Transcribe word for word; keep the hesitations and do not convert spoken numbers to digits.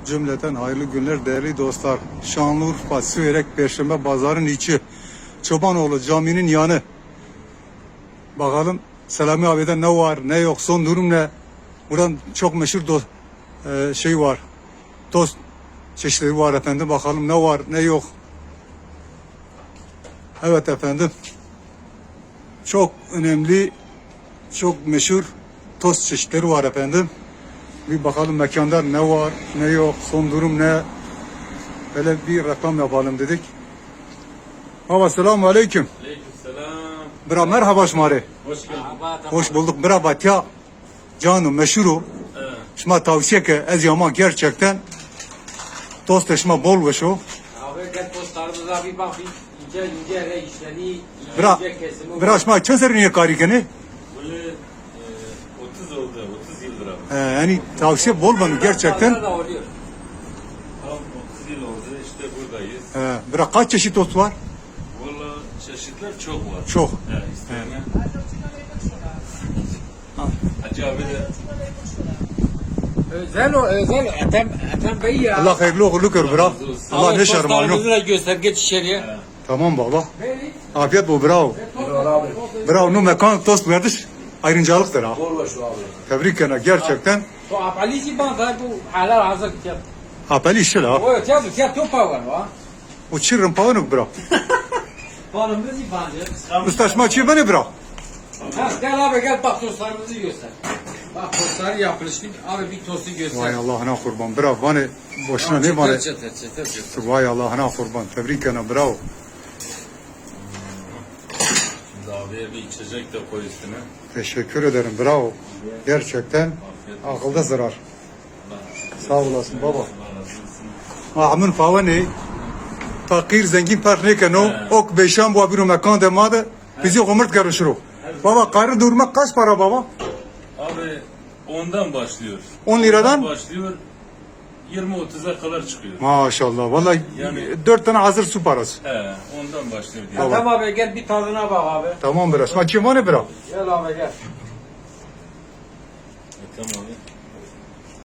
Cümleten hayırlı günler değerli dostlar. Şanlıurfa, Süverek, Perşembe Pazarın içi. Çobanoğlu caminin yanı. Bakalım Selami abiden ne var ne yok, son durum ne? Buradan çok meşhur do e, şey var. Tost çeşitleri var efendim. Bakalım ne var ne yok. Evet efendim. Çok önemli, çok meşhur tost çeşitleri var efendim. Bir bakalım mekanda ne var ne yok, son durum ne? Böyle bir reklam yapalım dedik. Hava selamun aleyküm. Aleykümselam. Bra merhaba şmari. Hoş geldin. Hoş bulduk. Bra batya. Canım meşhuru. Evet. Şma tavsiye ki ez yama gerçekten tost eşma bol ve şu. Abi gel postlarımıza bir bak, ince ince ele işleni, Bra, ince kesimi. bra şma çen serine karikeni. Böyle e, otuz oldu, otuz yıldır abi. Ee, yani tavsiye bol bana gerçekten. Pazarda da oluyor. Tam otuz yıl oldu, işte buradayız. Ee, bra kaç çeşit tost var? Valla çeşitler çok var. Çok. He, isteyene. Hacı abi de Özel o, özel Ethem, Ethem Bey ya. Allah hayırlı uğurlu kır bra. Allah ne şermanı. Postlarımızı da göster, geç içeriye. he. Tamam baba. Afiyet bol bravo. Bravo. Nu mekan tost verdiş. Ayrıncalıktır ha. Bol şu abi. Tebrik ederim gerçekten. Bu apalisi banza bu halar hazır kitap. Apeli işi la. O ya bu ya topa var va. O çirrin pavanuk bra. Balımızı bancı. Ustaşma çiğ beni bra. Ha gel abi gel bak tostlarımızı göster. Bak tostları yapılıştık. Abi bir tostu göster. Vay Allah'ına kurban. Bravo. Bana boşuna ne bana. Çıtır çıtır çıtır çıtır. Vay Allah'ına kurban. Tebrik ederim. Bravo. Şimdi abiye bir içecek de koy üstüne. Teşekkür ederim. Bravo. Gerçekten akılda zarar. Sağ olasın baba. Allah razı olsun. Amin favani. Fakir zengin fark ne keno. Ok beşan bu abiru mekan demadı. Bizi umurt karışırı. Baba karı durmak kaç para baba? Abi ondan başlıyor. on liradan? Ondan başlıyor. yirmi otuza kadar çıkıyor. Maşallah. Vallahi Yani- dört tane hazır su parası. He, ondan başlıyor diye. Ethem abi gel bir tadına bak abi. Tamam biraz. Ma kim var ne bra? Gel abi gel. E, tamam.